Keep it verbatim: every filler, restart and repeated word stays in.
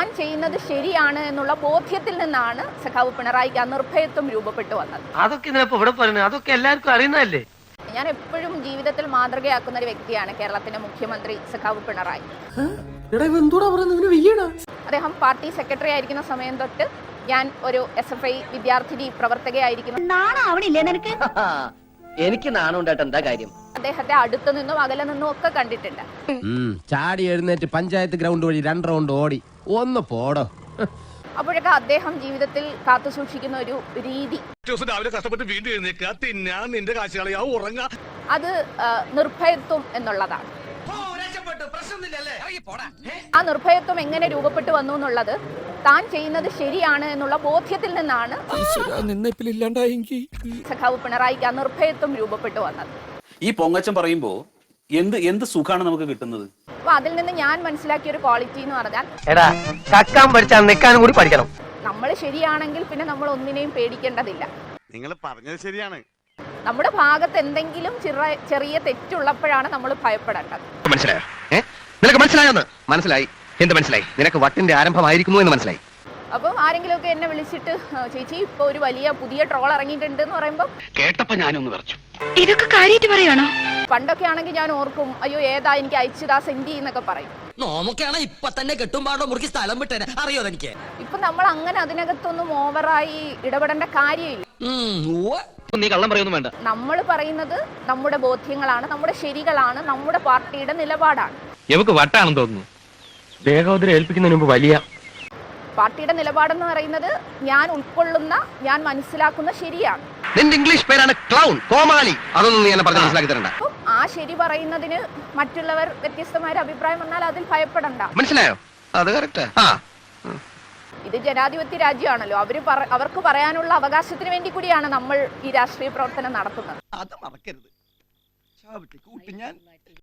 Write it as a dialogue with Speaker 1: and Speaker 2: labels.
Speaker 1: താൻ ചെയ്യുന്നത് ശരിയാണ് എന്നുള്ള ബോധ്യത്തിൽ നിന്നാണ് സഖാവ് പിണറായിക്ക് ആ നിർഭയത്വം രൂപപ്പെട്ടു വന്നത്.
Speaker 2: അതൊക്കെ ഇവിടെ പറയുന്നത് അതൊക്കെ എല്ലാവർക്കും അറിയുന്നതല്ലേ.
Speaker 1: ഞാൻ എപ്പോഴും ജീവിതത്തിൽ മാതൃകയാക്കുന്ന ഒരു വ്യക്തിയാണ് കേരളത്തിന്റെ മുഖ്യമന്ത്രി സഖാവ് പിണറായി. അദ്ദേഹം പാർട്ടി സെക്രട്ടറി ആയിരിക്കുന്ന സമയം തൊട്ട് ഞാൻ ഒരു എസ് എഫ് ഐ വിദ്യാർത്ഥിനി പ്രവർത്തകയായിരിക്കുന്നു.
Speaker 3: എനിക്ക് നാണുണ്ടായിട്ട് എന്താ കാര്യം?
Speaker 1: അദ്ദേഹത്തെ അടുത്തു നിന്നും അകലെ നിന്നും ഒക്കെ കണ്ടിട്ടുണ്ട്.
Speaker 4: ചാടി എഴുന്നേറ്റ് പഞ്ചായത്ത് ഗ്രൗണ്ട് വഴി രണ്ട് റൗണ്ട് ഓടി ഒന്ന് പോടോ.
Speaker 1: അപ്പോഴൊക്കെ അദ്ദേഹം ജീവിതത്തിൽ കാത്തു സൂക്ഷിക്കുന്ന ഒരു രീതി, അത് നിർഭയത്വം എന്നുള്ളതാണ്. ആ നിർഭയത്വം എങ്ങനെ രൂപപ്പെട്ടു വന്നു എന്നുള്ളത് താൻ ചെയ്യുന്നത് ശരിയാണ് എന്നുള്ള ബോധ്യത്തിൽ നിന്നാണ് സഖാവ് പിണറായിക്ക് ആ നിർഭയത്വം രൂപപ്പെട്ടു വന്നത്.
Speaker 5: ഈ പൊങ്ങച്ചം പറയുമ്പോ എന്ത് എന്ത് സുഖാണ് നമുക്ക് കിട്ടുന്നത്?
Speaker 1: അപ്പൊ അതിൽ നിന്ന് ഞാൻ മനസ്സിലാക്കിയ ഒരു ക്വാളിറ്റി എന്ന് പറഞ്ഞാൽ,
Speaker 2: എടാ കക്കാൻ പഠിച്ചാൽ നിൽക്കാനും കൂടി പഠിക്കണം.
Speaker 1: നമ്മൾ ശരിയാണെങ്കിൽ പിന്നെ നമ്മൾ ഒന്നിനെയും പേടിക്കേണ്ടതില്ല.
Speaker 6: നിങ്ങൾ പറഞ്ഞത് ശരിയാണ്.
Speaker 1: നമ്മുടെ ഭാഗത്ത് എന്തെങ്കിലും ചെറിയ തെറ്റുള്ളപ്പോഴാണ് നമ്മൾ ഭയപ്പെടേണ്ടത്.
Speaker 4: മനസ്സിലായോ? നിനക്ക് മനസ്സിലായോന്ന്? മനസ്സിലായി. എന്ത് മനസ്സിലായി? നിനക്ക് വട്ടിന്റെ ആരംഭമായിരിക്കുന്നു എന്ന് മനസ്സിലായി.
Speaker 1: അപ്പം ആരെങ്കിലും ഒക്കെ എന്നെ വിളിച്ചിട്ട് ചേച്ചി ഇപ്പൊ ഒരു വലിയ പുതിയ ട്രോൾ ഇറങ്ങിയിട്ടുണ്ട് എന്ന് പറയുമ്പോ
Speaker 3: കേട്ടപ്പോ ഞാനൊന്ന് പറഞ്ഞു,
Speaker 7: ഇതൊക്കെ കാര്യമായിട്ട് പറയാണോ?
Speaker 1: പണ്ടൊക്കെ ആണെങ്കിൽ ഞാൻ ഓർക്കും, അയ്യോ ഏതാ എനിക്ക് അയച്ചതാ സെൻഡ് എന്നൊക്കെ പറയും.
Speaker 8: നോമൊക്കെയാണ് ഇപ്പൊ തന്നെ കെട്ടുമ്പാടോ മുറുക്കി സ്ഥലം വിട്ടേ അറിയോ എനിക്ക്.
Speaker 1: ഇപ്പൊ നമ്മൾ അങ്ങനെ അതിനകത്തൊന്നും ഓവറായി ഇടപെടേണ്ട കാര്യമില്ല.
Speaker 3: നീ കള്ളം പറയുന്നു വേണ്ട.
Speaker 1: നമ്മൾ പറയുന്നത് നമ്മുടെ ബോധ്യങ്ങളാണ്, നമ്മുടെ ശരികളാണ്, നമ്മുടെ പാർട്ടിയുടെ നിലപാടാണ്.
Speaker 2: നമുക്ക് വട്ടാണെന്ന് തോന്നുന്നു. ദേഹോദരം ഏൽപ്പിക്കുന്നതിന് മുമ്പ് വലിയ
Speaker 1: പാർട്ടിയുടെ നിലപാടെന്ന് പറയുന്നത് ഞാൻ ഉൾക്കൊള്ളുന്ന, ഞാൻ മനസ്സിലാക്കുന്ന ശരിയാണ്.
Speaker 4: നിന്റെ ഇംഗ്ലീഷ് പേരാണ് ക്ലൗൺ, കോമാളി. അതൊന്നും നീ എന്നെ പറഞ്ഞ് മനസ്സിലാക്കി തരണ്ട.
Speaker 1: അപ്പം ആ ശരി പറയുന്നതിന് മറ്റുള്ളവർ വ്യത്യസ്തമായ അഭിപ്രായം വന്നാൽ അതിൽ ഭയപ്പെടണ്ട.
Speaker 4: മനസ്സിലായോ? അത് കറക്റ്റാ.
Speaker 1: ഇത് ജനാധിപത്യ രാജ്യമാണല്ലോ. അവര് അവർക്ക് പറയാനുള്ള അവകാശത്തിന് വേണ്ടി കൂടിയാണ് നമ്മൾ ഈ രാഷ്ട്രീയ പ്രവർത്തനം നടത്തുന്നത്.
Speaker 6: അത് മറക്കരുത്.